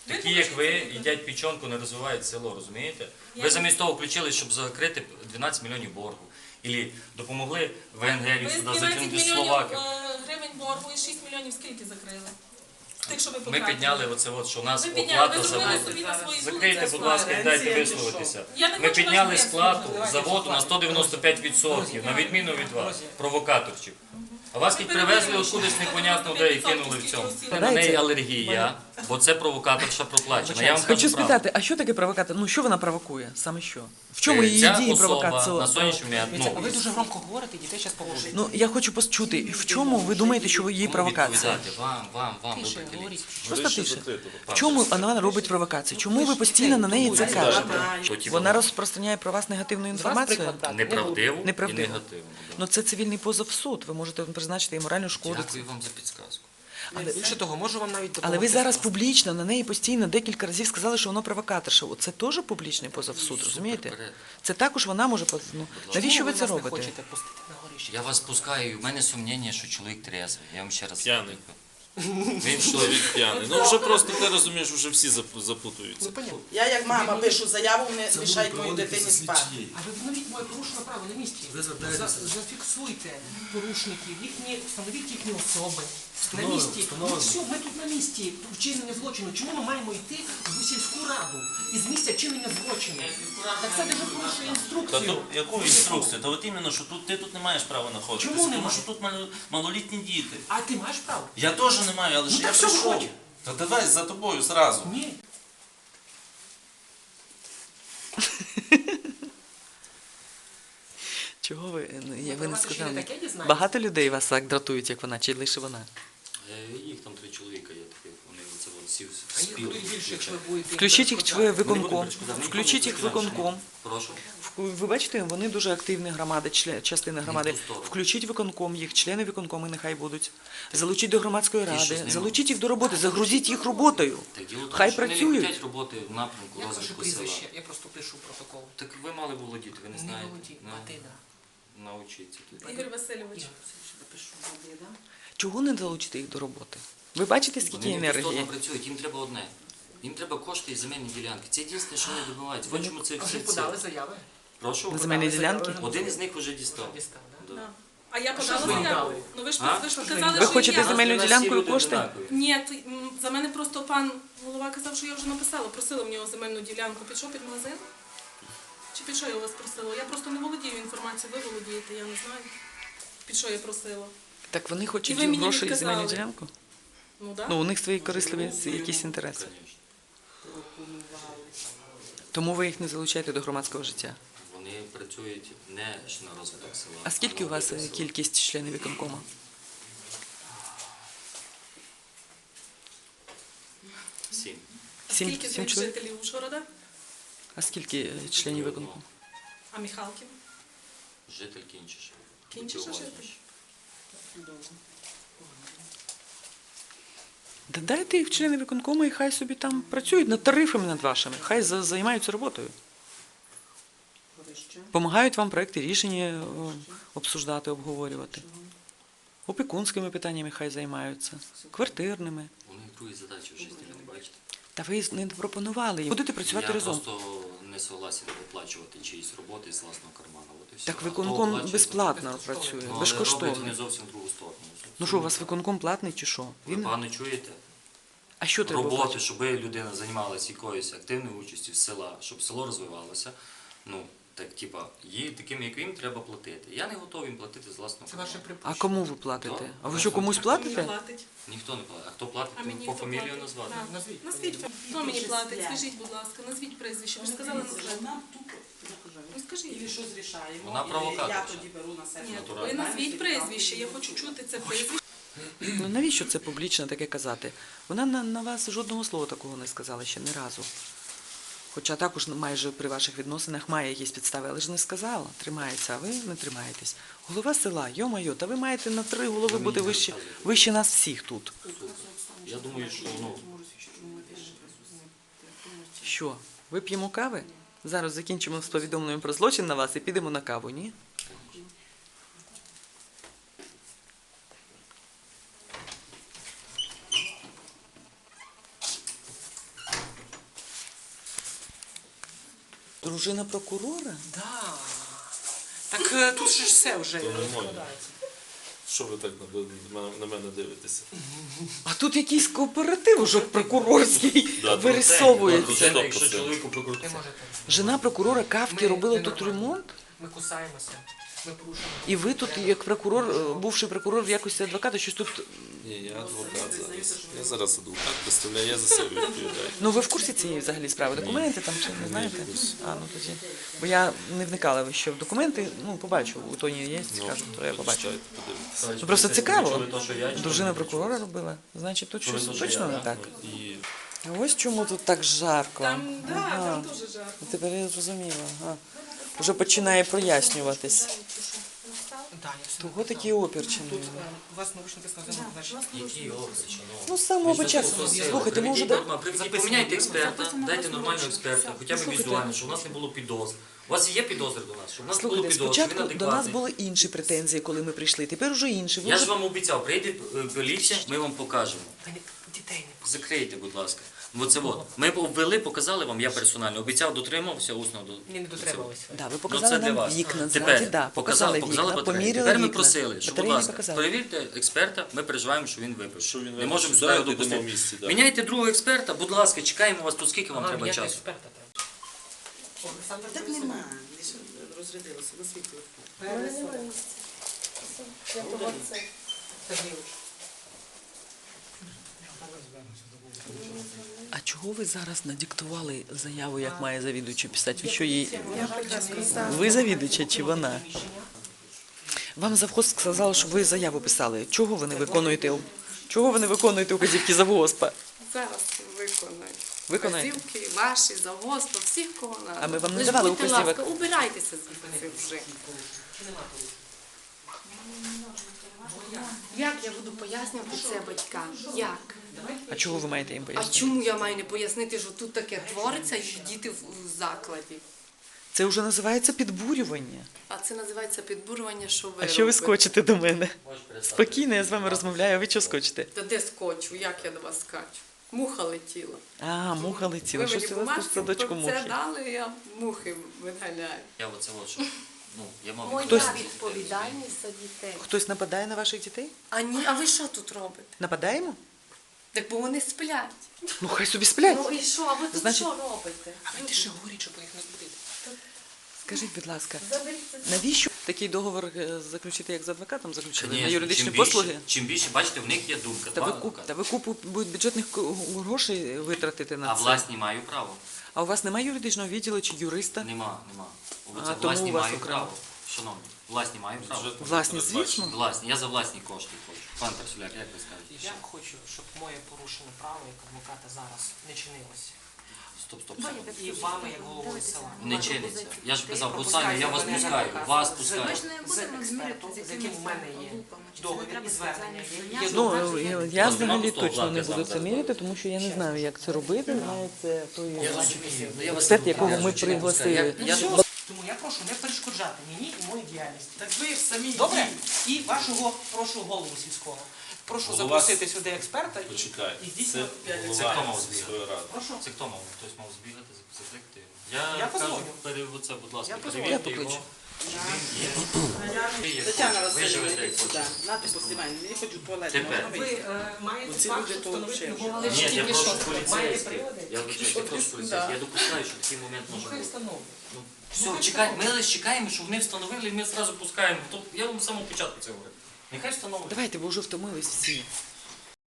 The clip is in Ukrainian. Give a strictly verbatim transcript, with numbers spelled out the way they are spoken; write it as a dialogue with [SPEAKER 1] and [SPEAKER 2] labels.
[SPEAKER 1] Такі, як ви, їдять печенку, не розвивають село, розумієте? Ви замість того включили, щоб закрити дванадцять мільйонів боргу. Ілі допомогли ВНГ
[SPEAKER 2] Ви з
[SPEAKER 1] сюди
[SPEAKER 2] дванадцять
[SPEAKER 1] закинути
[SPEAKER 2] мільйонів
[SPEAKER 1] Словаків.
[SPEAKER 2] е, гривень боргу і шість мільйонів скільки закрили? З тих, що ви
[SPEAKER 1] Ми
[SPEAKER 2] потратили.
[SPEAKER 1] підняли оце, от, що у нас
[SPEAKER 2] Ви підняли,
[SPEAKER 1] оплата
[SPEAKER 2] ви
[SPEAKER 1] за
[SPEAKER 2] зробили
[SPEAKER 1] воду.
[SPEAKER 2] собі на свої
[SPEAKER 1] Закрийте,
[SPEAKER 2] вулиці
[SPEAKER 1] будь ласка, і дайте
[SPEAKER 3] Пенсія,
[SPEAKER 1] висловитися.
[SPEAKER 2] Я не
[SPEAKER 1] Ми
[SPEAKER 2] хочу
[SPEAKER 1] підняли
[SPEAKER 2] вас
[SPEAKER 1] сплату
[SPEAKER 2] вислухати.
[SPEAKER 1] за воду на сто дев'яносто п'ять відсотків, на відміну від вас, провокаторчик. А вас тут привезли откудись непонятно де і кинули в цьому. На неї алергія, бо це провокаторша проплачена. Я вам
[SPEAKER 3] Хочу
[SPEAKER 1] кажу правду.
[SPEAKER 3] спитати, а що таке провокатор? Ну, що вона провокує? Саме що? В чому її
[SPEAKER 1] Ця
[SPEAKER 3] дії
[SPEAKER 1] особа
[SPEAKER 3] провокації?
[SPEAKER 1] на сьогоднішній момент,
[SPEAKER 4] Дивіться,
[SPEAKER 1] ну,
[SPEAKER 4] ви дуже громко говорите, дітей зараз положить.
[SPEAKER 3] Ну, я хочу почути, в чому ви думаєте, що її
[SPEAKER 1] кому
[SPEAKER 3] провокація?
[SPEAKER 1] відповідати? Вам, вам, вам, ви
[SPEAKER 4] Тише,
[SPEAKER 1] приділіть.
[SPEAKER 4] говоріть.
[SPEAKER 3] Просто тише. В чому вона робить провокацію? Чому ви постійно на неї це кажете?
[SPEAKER 1] Потім
[SPEAKER 3] Вона розпространяє про вас негативну
[SPEAKER 4] З вас
[SPEAKER 3] інформацію?
[SPEAKER 4] приклад брати.
[SPEAKER 1] неправдиву і
[SPEAKER 3] Неправдиву.
[SPEAKER 1] негативну. да.
[SPEAKER 3] Ну це цивільний позов в суд. Ви можете призначити їй моральну шкоду.
[SPEAKER 1] Дякую вам за підсказку.
[SPEAKER 4] Але більше того, можу вам навіть допомогти.
[SPEAKER 3] Але ви зараз публічно на неї постійно декілька разів сказали, що воно провокаторша. Це теж публічний позов в суд, розумієте?
[SPEAKER 1] вперед.
[SPEAKER 3] Це також вона може поз- ну, навіщо ви це
[SPEAKER 4] нас не
[SPEAKER 3] робите?
[SPEAKER 4] хочете пустити на горище?
[SPEAKER 1] Я вас пускаю, і в мене сумніння, що чоловік трезвий. Я вам ще раз
[SPEAKER 5] П'яний.
[SPEAKER 1] кажу. Він що?
[SPEAKER 5] Чоловік п'яний. Ну вже просто ти розумієш, вже всі зап- запутуються.
[SPEAKER 4] Ну, понятно.
[SPEAKER 6] Я як мама пишу заяву, не мішають моїй дитині спати.
[SPEAKER 4] А ви встановіть моє порушене право на місці. За- Зафіксуйте порушників, їхні, встановіть їхні особи. На місці. Ну все, ми тут на місці вчинення злочину. Чому ми маємо йти в сільську раду із місця вчинення злочину? Так це дуже порушує
[SPEAKER 5] Та
[SPEAKER 4] інструкцію.
[SPEAKER 5] то яку інструкцію? Та от іменно, що тут ти тут не маєш права знаходитися,
[SPEAKER 4] Чому
[SPEAKER 5] тому
[SPEAKER 4] немає?
[SPEAKER 5] що тут мал- малолітні діти.
[SPEAKER 4] А ти маєш право?
[SPEAKER 5] Я теж не маю, але ж
[SPEAKER 4] Ну,
[SPEAKER 5] я
[SPEAKER 4] так що
[SPEAKER 5] прийшов.
[SPEAKER 4] виходь?
[SPEAKER 5] Та давай за тобою зразу.
[SPEAKER 4] Ні.
[SPEAKER 3] Чого ви? Ну, я, ви не
[SPEAKER 4] Давайте ще
[SPEAKER 3] сказали.
[SPEAKER 4] не таке дізнаєтесь.
[SPEAKER 3] Багато людей вас так дратують, як вона, чи лише вона?
[SPEAKER 1] Е, Їх там три чоловіка є таких, вони це от всі
[SPEAKER 4] А їх
[SPEAKER 1] спіли.
[SPEAKER 4] будуть більше, якщо ви будете.
[SPEAKER 3] Включіть їх в
[SPEAKER 4] перешкоджати.
[SPEAKER 3] виконком. Включіть їх в виконком.
[SPEAKER 1] Прошу.
[SPEAKER 3] Ви бачите, вони дуже активні громади, член- частина громади.
[SPEAKER 1] ту сторону.
[SPEAKER 3] Включіть виконком їх, члени виконкому нехай будуть. Залучіть до громадської
[SPEAKER 1] Ті, що з
[SPEAKER 3] ради,
[SPEAKER 1] ними.
[SPEAKER 3] залучіть їх до роботи, загрузіть їх роботою.
[SPEAKER 1] Так діло в тому,
[SPEAKER 3] Хай
[SPEAKER 1] що вони не
[SPEAKER 3] працюють.
[SPEAKER 1] хочуть роботи в напрямку
[SPEAKER 4] Як ваше
[SPEAKER 1] розвитку села.
[SPEAKER 4] прізвище? Я просто пишу протокол.
[SPEAKER 1] Так ви мали володіти, ви не
[SPEAKER 4] Не
[SPEAKER 1] знаєте.
[SPEAKER 4] володію,
[SPEAKER 1] Ну,
[SPEAKER 4] а ти да.
[SPEAKER 1] Научіться тут.
[SPEAKER 2] Ігор Васильович.
[SPEAKER 4] Я все допишу.
[SPEAKER 3] Чого не залучити їх до роботи? Ви бачите, скільки
[SPEAKER 1] Вони не
[SPEAKER 3] енергії?
[SPEAKER 1] бездонно працюють, їм треба одне. Їм треба кошти і земельні ділянки. Це єдине, що вони добиваються. В чому це
[SPEAKER 4] А
[SPEAKER 1] все
[SPEAKER 4] вже подали
[SPEAKER 1] це?
[SPEAKER 4] заяви?
[SPEAKER 1] Прошу.
[SPEAKER 3] На земельні
[SPEAKER 4] Подали заяви
[SPEAKER 3] ділянки?
[SPEAKER 4] вже?
[SPEAKER 1] Один із них вже дістав.
[SPEAKER 4] Дістав, да?
[SPEAKER 1] Да.
[SPEAKER 2] Да. А я
[SPEAKER 4] що
[SPEAKER 2] подала
[SPEAKER 4] ж ви їм
[SPEAKER 2] заяву.
[SPEAKER 4] дали?
[SPEAKER 2] Ну ви ж
[SPEAKER 1] А?
[SPEAKER 2] ви ж
[SPEAKER 4] Що ж
[SPEAKER 2] сказали,
[SPEAKER 4] ви-
[SPEAKER 3] Ви
[SPEAKER 2] що
[SPEAKER 3] хочете
[SPEAKER 2] я.
[SPEAKER 3] земельну
[SPEAKER 1] Нас
[SPEAKER 3] ділянку
[SPEAKER 1] всі
[SPEAKER 3] і
[SPEAKER 1] люди
[SPEAKER 3] кошти?
[SPEAKER 1] однакові.
[SPEAKER 2] Ні, то, м, за мене просто пан голова казав, що я вже написала. Просила в нього земельну ділянку. Під що, під магазин? Чи під що я у вас просила? Я просто не володію інформацією, ви володієте, я не знаю. Під що я просила?
[SPEAKER 3] Так вони
[SPEAKER 2] І
[SPEAKER 3] хочуть
[SPEAKER 2] ви мені
[SPEAKER 3] гроші і
[SPEAKER 2] відказали.
[SPEAKER 3] земельну ділянку?
[SPEAKER 2] Ну так.
[SPEAKER 3] Ну, у них свої корисливі якісь інтереси.
[SPEAKER 1] Конечно.
[SPEAKER 3] Тому ви їх не залучаєте до громадського життя.
[SPEAKER 1] Вони працюють не ж на розвиток села.
[SPEAKER 3] А скільки у
[SPEAKER 1] на
[SPEAKER 3] вас
[SPEAKER 1] розвиток
[SPEAKER 3] е,
[SPEAKER 1] села.
[SPEAKER 3] кількість членів виконкому?
[SPEAKER 1] Сім.
[SPEAKER 3] Сім,
[SPEAKER 2] Скільки з
[SPEAKER 3] сім
[SPEAKER 2] них
[SPEAKER 3] чоловік?
[SPEAKER 2] жителів Ужгорода?
[SPEAKER 3] А скільки е, членів виконкому?
[SPEAKER 2] А Михалків?
[SPEAKER 1] Житель Кінчиш.
[SPEAKER 2] Кінчиша житель?
[SPEAKER 3] Да дайте їх в члени виконкому і хай собі там працюють над тарифами над вашими. Хай за- займаються роботою. Помагають вам проекти рішення о, обсуждати, обговорювати. Опікунськими питаннями хай займаються, квартирними.
[SPEAKER 1] У них другі задачі в житті, ви не бачите?
[SPEAKER 3] Та ви не пропонували їм. Будете працювати
[SPEAKER 1] Я
[SPEAKER 3] разом.
[SPEAKER 1] просто не согласен оплачувати чиїсь роботи з власного карману. От і все.
[SPEAKER 3] Так
[SPEAKER 1] А хто
[SPEAKER 3] виконком
[SPEAKER 1] оплачує,
[SPEAKER 3] безплатно
[SPEAKER 1] то-
[SPEAKER 3] працює,
[SPEAKER 1] Ну, але роблять
[SPEAKER 3] безкоштовно.
[SPEAKER 1] вони зовсім в другу сторону.
[SPEAKER 3] Ну що, у вас виконком платний чи що?
[SPEAKER 1] Ви
[SPEAKER 3] Він...
[SPEAKER 1] погано чуєте?
[SPEAKER 3] А що треба
[SPEAKER 1] Роботи,
[SPEAKER 3] платити?
[SPEAKER 1] щоб людина займалася якоюсь активною участю в села, щоб село розвивалося. Ну, так, типа, їй таким, як їм, треба платити. Я не готовий їм платити з власного
[SPEAKER 4] Це ваше
[SPEAKER 1] карману.
[SPEAKER 3] А
[SPEAKER 4] припущення.
[SPEAKER 3] кому ви платите?
[SPEAKER 1] Да.
[SPEAKER 3] А ви що, комусь
[SPEAKER 2] Хто мені
[SPEAKER 3] платите?
[SPEAKER 2] платить?
[SPEAKER 1] Ніхто не платить. А хто платить,
[SPEAKER 2] А
[SPEAKER 1] то
[SPEAKER 2] мені
[SPEAKER 1] по
[SPEAKER 2] хто
[SPEAKER 1] фамілію
[SPEAKER 2] платить?
[SPEAKER 1] назвати.
[SPEAKER 2] Да.
[SPEAKER 4] Назвіть.
[SPEAKER 2] Назвіть, хто мені платить? Скажіть, будь ласка, назвіть прізвище. Ви ж сказали, назвіть. Ну скажіть.
[SPEAKER 6] І щось рішаємо.
[SPEAKER 1] Вона
[SPEAKER 6] і
[SPEAKER 1] провокатор.
[SPEAKER 6] Я тоді беру на себе.
[SPEAKER 2] Ні,
[SPEAKER 1] Натурально.
[SPEAKER 2] ви назвіть прізвище. Я хочу чути це прізвище.
[SPEAKER 3] Ну навіщо це публічно таке казати? Вона на, на вас жодного слова такого не сказала ще ні разу. Хоча також майже при ваших відносинах має якісь підстави, але ж не сказала. Тримається, а ви не тримаєтесь. Голова села, йо-майо, та ви маєте на три голови
[SPEAKER 1] Ви мені
[SPEAKER 3] бути
[SPEAKER 1] не
[SPEAKER 3] вище,
[SPEAKER 1] розказуєте.
[SPEAKER 3] вище нас всіх тут.
[SPEAKER 1] Я думаю, що ну,
[SPEAKER 3] Що, вип'ємо кави? Зараз закінчимо з повідомленням про злочин на вас і підемо на каву, ні? Дружина прокурора?
[SPEAKER 4] Да. Так е, тут же ж все вже
[SPEAKER 5] То не моє.
[SPEAKER 4] розкладається.
[SPEAKER 5] Що ви так на, на мене дивитеся?
[SPEAKER 3] А тут якийсь кооператив уже прокурорський
[SPEAKER 5] Да,
[SPEAKER 3] вирисовується.
[SPEAKER 5] Стоп,
[SPEAKER 1] Якщо
[SPEAKER 5] стоп.
[SPEAKER 1] чоловіку
[SPEAKER 4] Не
[SPEAKER 1] прокрутиться.
[SPEAKER 4] можете.
[SPEAKER 3] Жена прокурора Кавки
[SPEAKER 4] Ми
[SPEAKER 3] робила
[SPEAKER 4] не
[SPEAKER 3] тут
[SPEAKER 4] нормально.
[SPEAKER 3] ремонт?
[SPEAKER 4] Ми кусаємося, ми порушуємо.
[SPEAKER 3] І ви тут, як прокурор, е, бувший прокурор в якості адвоката, щось тут.
[SPEAKER 5] Ні, я адвокат зараз. Я зараз адвокат, представляю, я за себе відповідаю.
[SPEAKER 3] Ну ви в курсі цієї взагалі справи? Документи там чи не знаєте? А, ну тоді. Бо я не вникала ще в документи, ну побачу, у Тоні є, скажу, то я побачу.
[SPEAKER 5] Почитайте, подивитися.
[SPEAKER 3] Ну просто цікаво.
[SPEAKER 1] Чули то, що я чув?
[SPEAKER 3] Дружина прокурора робила. Значить, тут
[SPEAKER 1] Чули
[SPEAKER 3] щось
[SPEAKER 1] то, що
[SPEAKER 3] точно
[SPEAKER 1] я,
[SPEAKER 3] не
[SPEAKER 1] да?
[SPEAKER 3] так.
[SPEAKER 5] І
[SPEAKER 3] А ось чому тут так жарко.
[SPEAKER 2] Там, да,
[SPEAKER 3] Ага.
[SPEAKER 2] там дуже жарко.
[SPEAKER 3] Тепер я зрозуміла. Ага. Вже починає прояснюватись.
[SPEAKER 4] Да, я все
[SPEAKER 3] Того
[SPEAKER 4] написав.
[SPEAKER 3] такі опірчені.
[SPEAKER 4] Тут е, у вас научно сказано, значить.
[SPEAKER 1] Які опис, шановні?
[SPEAKER 3] Ну, з самого початку. Слухайте, ми вже да-
[SPEAKER 1] Приведіть, поміняйте експерта, дайте нормального експерта, хоча б візуально, щоб у нас не було підозр. У вас є підозри до нас? Щоб у нас не було
[SPEAKER 3] Слухайте,
[SPEAKER 1] підозр, щоб він
[SPEAKER 3] спочатку до нас
[SPEAKER 1] адекватний.
[SPEAKER 3] були інші претензії, коли ми прийшли. Тепер уже інші. Ви
[SPEAKER 1] Я
[SPEAKER 3] вже-
[SPEAKER 1] ж вам обіцяв, прийде е, поліція, ми вам покажемо.
[SPEAKER 4] Та ні, дітей не
[SPEAKER 1] Закрийте, будь ласка. Оце от. Ми обвели, показали вам, я персонально обіцяв, дотримався усно до.
[SPEAKER 4] Ні, не дотрималися.
[SPEAKER 3] Да, ви
[SPEAKER 1] Ну,
[SPEAKER 3] показали
[SPEAKER 1] це для
[SPEAKER 3] нам
[SPEAKER 1] вас.
[SPEAKER 3] вікна
[SPEAKER 1] Тепер
[SPEAKER 3] ззаді, да,
[SPEAKER 1] показали,
[SPEAKER 3] показали
[SPEAKER 1] показали
[SPEAKER 3] вікна,
[SPEAKER 1] батареї.
[SPEAKER 3] поміряли
[SPEAKER 1] Тепер ми
[SPEAKER 3] вікна.
[SPEAKER 1] просили, що, будь
[SPEAKER 3] Батареї не
[SPEAKER 1] ласка,
[SPEAKER 3] показали.
[SPEAKER 1] перевірте експерта, ми переживаємо, що він випив.
[SPEAKER 5] Що він
[SPEAKER 1] Не
[SPEAKER 5] випив?
[SPEAKER 1] можемо
[SPEAKER 5] Сюди
[SPEAKER 1] сюди його
[SPEAKER 5] підемо
[SPEAKER 1] допустити.
[SPEAKER 5] в місті, да.
[SPEAKER 1] Міняйте другого експерта, будь ласка, чекаємо вас тут, скільки вам
[SPEAKER 4] Ага,
[SPEAKER 1] треба
[SPEAKER 4] ніякого
[SPEAKER 1] часу?
[SPEAKER 4] експерта треба. Олександр
[SPEAKER 6] Так нема. Лише розрядилося на світло.
[SPEAKER 4] Сергійович.
[SPEAKER 3] А чого ви зараз надиктували заяву, як має завідувачу писати? Ви що їй... Ви завідувача чи вона? Вам завхоз сказав, що ви заяву писали. Чого ви не виконуєте? Чого ви не виконуєте указівки завгоспа?
[SPEAKER 7] Зараз виконаю.
[SPEAKER 3] Виконаєте?
[SPEAKER 7] Вказівки ваші, завгоспа, всіх кого надо.
[SPEAKER 3] А ми вам не
[SPEAKER 7] Лиш
[SPEAKER 3] давали
[SPEAKER 7] будьте
[SPEAKER 3] указівок.
[SPEAKER 7] ласка, убирайтеся звідси вже. Як я буду пояснювати це батькам? Як?
[SPEAKER 3] А чого ви маєте їм
[SPEAKER 7] А
[SPEAKER 3] пояснити?
[SPEAKER 7] чому я маю не пояснити, що тут таке твориться і діти в в закладі?
[SPEAKER 3] Це вже називається підбурювання.
[SPEAKER 7] А це називається підбурювання, що ви
[SPEAKER 3] А що ви
[SPEAKER 7] робите?
[SPEAKER 3] скочите до мене?
[SPEAKER 1] Можеш перестати.
[SPEAKER 3] Спокійно, я з вами розмовляю, а ви що скочите?
[SPEAKER 7] Та де скочу? Як я до вас скачу? Муха летіла.
[SPEAKER 3] А, муха летіла.
[SPEAKER 7] Ви
[SPEAKER 3] Щось
[SPEAKER 7] мені
[SPEAKER 3] у вас тут
[SPEAKER 7] бумажки
[SPEAKER 3] в садочку
[SPEAKER 7] про це
[SPEAKER 3] мухи.
[SPEAKER 7] дали, я мухи виганяю.
[SPEAKER 1] Я оце от що. Ну, я мав
[SPEAKER 7] Моя
[SPEAKER 3] Хтось-
[SPEAKER 7] відповідальність за дітей.
[SPEAKER 3] Хтось нападає на ваших дітей?
[SPEAKER 7] А ні, а ви що тут робите?
[SPEAKER 3] Нападаємо?
[SPEAKER 7] Так бо вони сплять.
[SPEAKER 3] Ну хай собі сплять.
[SPEAKER 7] Ну і що? А ви тут
[SPEAKER 3] Значить-
[SPEAKER 7] що робите?
[SPEAKER 4] А ви тише говоріть, щоб їх не збудити.
[SPEAKER 3] Скажіть, будь ласка,
[SPEAKER 7] Заберіть це.
[SPEAKER 3] навіщо такий договор е, заключити, як з адвокатом заключили? На
[SPEAKER 1] Конечно,
[SPEAKER 3] юридичні
[SPEAKER 1] чим більше-
[SPEAKER 3] послуги?
[SPEAKER 1] Чим більше, бачите, в них є думка.
[SPEAKER 3] Та
[SPEAKER 1] два
[SPEAKER 3] ви, куп,
[SPEAKER 1] адвокати.
[SPEAKER 3] та ви купу будуть бюджетних ко- грошей витратити на
[SPEAKER 1] А
[SPEAKER 3] це.
[SPEAKER 1] власні маю право.
[SPEAKER 3] А у вас немає юридичного відділу чи юриста?
[SPEAKER 1] Нема, нема.
[SPEAKER 3] А,
[SPEAKER 1] Оце
[SPEAKER 3] тому
[SPEAKER 1] власні
[SPEAKER 3] у вас
[SPEAKER 1] маю
[SPEAKER 3] окремо.
[SPEAKER 1] право. Шановні, власні маю право.
[SPEAKER 5] Бюджет
[SPEAKER 3] Власні,
[SPEAKER 5] передбачено.
[SPEAKER 3] звісно.
[SPEAKER 1] Власні, я за власні кошти хочу. Пан Персуляк, як ви скажете?
[SPEAKER 4] Я хочу, щоб моє порушене право як адвоката зараз не чинилося.
[SPEAKER 1] Стоп, стоп, стоп.
[SPEAKER 4] І вами, як головою села.
[SPEAKER 1] Не чиниться. Я ж казав,
[SPEAKER 4] Пропускайте
[SPEAKER 1] пускаю, я вас
[SPEAKER 4] мене
[SPEAKER 1] пускаю,
[SPEAKER 4] адвоката.
[SPEAKER 1] вас
[SPEAKER 4] З-
[SPEAKER 1] пускаю.
[SPEAKER 4] З експертом, з яким у мене є договір і звернення. Є, є
[SPEAKER 3] Ну,
[SPEAKER 4] договір.
[SPEAKER 3] я, я
[SPEAKER 1] Ну,
[SPEAKER 3] взагалі
[SPEAKER 1] нема
[SPEAKER 3] точно
[SPEAKER 1] пустого
[SPEAKER 3] не
[SPEAKER 1] блока,
[SPEAKER 3] буду
[SPEAKER 1] сам
[SPEAKER 3] це
[SPEAKER 1] зараз
[SPEAKER 3] міряти, тому що я не знаю, як це робити. Знає це той
[SPEAKER 1] Я розумію. Ну, я вас
[SPEAKER 3] експерт,
[SPEAKER 1] не
[SPEAKER 3] якого
[SPEAKER 1] кажу,
[SPEAKER 3] ми
[SPEAKER 1] чи не пускаю.
[SPEAKER 3] пригласили.
[SPEAKER 1] Я- я-
[SPEAKER 4] Тому я прошу не перешкоджати мені і моїй діяльності.
[SPEAKER 6] Так ви ж самі
[SPEAKER 4] Добре? І вашого прошу голову сільського. Прошу
[SPEAKER 5] Голова
[SPEAKER 4] запросити сюди експерта і,
[SPEAKER 5] Почекай,
[SPEAKER 4] і
[SPEAKER 5] це
[SPEAKER 4] здійснює.
[SPEAKER 1] Це хто мав
[SPEAKER 5] голова
[SPEAKER 1] збігати?
[SPEAKER 5] сільської ради.
[SPEAKER 4] Прошу.
[SPEAKER 1] Це хто мав? Хтось мав збігати, закликати його. Я,
[SPEAKER 4] Я
[SPEAKER 1] кажу,
[SPEAKER 4] позвоню.
[SPEAKER 1] пере, оце, будь ласка,
[SPEAKER 4] Я позвоню.
[SPEAKER 1] перевірте
[SPEAKER 3] Я покличу.
[SPEAKER 1] його. Чи він є? Ви є
[SPEAKER 6] Тетяна
[SPEAKER 1] хочете, ви живете
[SPEAKER 6] Васильівна,
[SPEAKER 1] як
[SPEAKER 6] йдіть сюди.
[SPEAKER 1] хочете.
[SPEAKER 6] Нати поснімай, мені хочу туалет.
[SPEAKER 1] Тепер.
[SPEAKER 6] можна
[SPEAKER 4] Ви
[SPEAKER 6] вийти?
[SPEAKER 4] е, маєте
[SPEAKER 6] Оці
[SPEAKER 4] факт,
[SPEAKER 6] люди
[SPEAKER 4] що
[SPEAKER 6] то
[SPEAKER 4] встановити
[SPEAKER 6] взагалі
[SPEAKER 4] його.
[SPEAKER 7] Але ж
[SPEAKER 1] Ні, я
[SPEAKER 7] тільки
[SPEAKER 1] прошу
[SPEAKER 7] що.
[SPEAKER 4] Маєте
[SPEAKER 1] поліцейських.
[SPEAKER 4] приводи?
[SPEAKER 1] Я вибачаюсь, я прошу поліцейських.
[SPEAKER 6] Да.
[SPEAKER 1] Я допускаю, що такий момент може
[SPEAKER 4] Нехай
[SPEAKER 1] бути.
[SPEAKER 4] встановлює.
[SPEAKER 1] Ну, все, чекай, ми лише чекаємо, щоб вони встановили, і ми одразу пускаємо. Тобто, я вам з самого початку це говорю. Нехай встановлюють.
[SPEAKER 3] Давайте, бо вже втомились всі.